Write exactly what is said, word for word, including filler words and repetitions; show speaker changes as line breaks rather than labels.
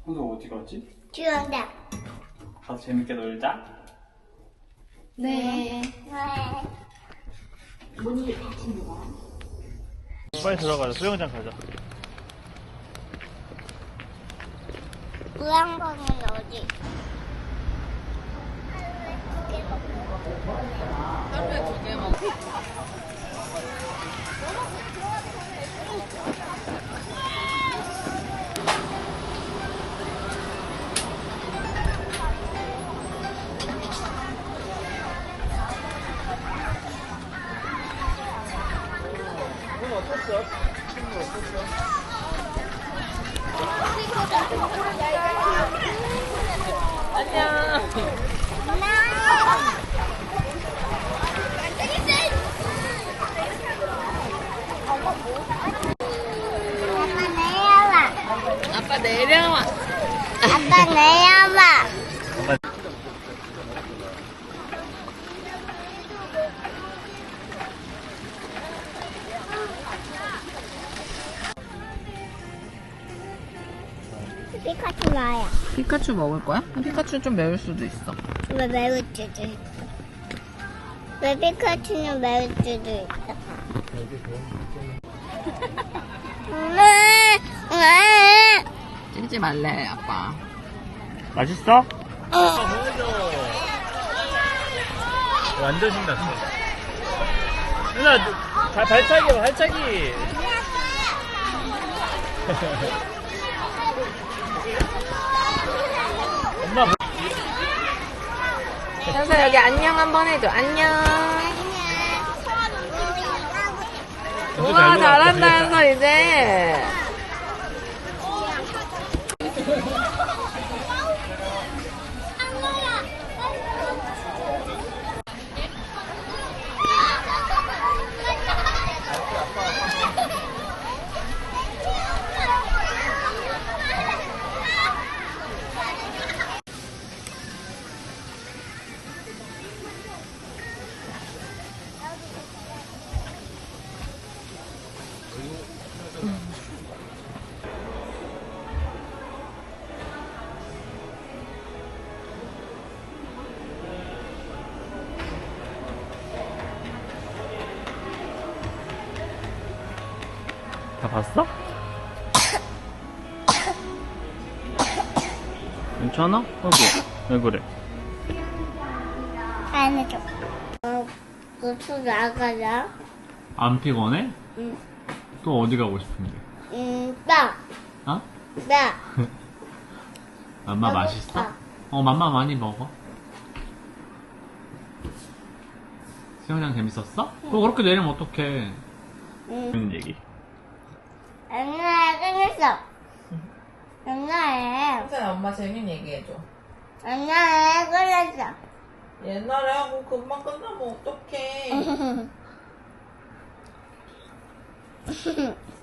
오늘 어디 가지?
주원다.
가서 재밌게 놀자.
네. 네.
빨리 들어가자. 수영장 가자.
우양방은 어디?
하루에 두 개 먹어.
오늘 어땠어? 친구 어땠어?
안녕.
아빠 내려와.
아빠 내려와.
아빠 내려와. 피카츄 나야.
피카츄 먹을 거야? 피카츄 좀 매울 수도 있어.
왜 매울 수도 있어? 왜 피카츄는 매울 수도 있어? 엄마, 엄마.
찌지 말래, 아빠.
맛있어? 완전 신났어. 누나, 발, 발차기, 발차기. 엄마.
현서 여기 안녕 한번 해줘. 안녕. 우와, 잘한다, 현서 이제.
다 봤어? 괜찮아? 여기 왜 그래?
안 해줘. 어, 고추 나가자.
안 피곤해?
응.
또 어디 가고 싶은데?
음, 나.
어?
나.
맘마
배고파.
맛있어? 어 맘마 많이 먹어. 수영장 재밌었어? 또 그렇게 내리면 어떡해.
응.
재밌는 얘기.
옛날에 끝냈어. 옛날에.
현서야, 엄마 재밌는 얘기해줘.
옛날에 끝냈어.
옛날에 하고 금방 끝나면 어떡해.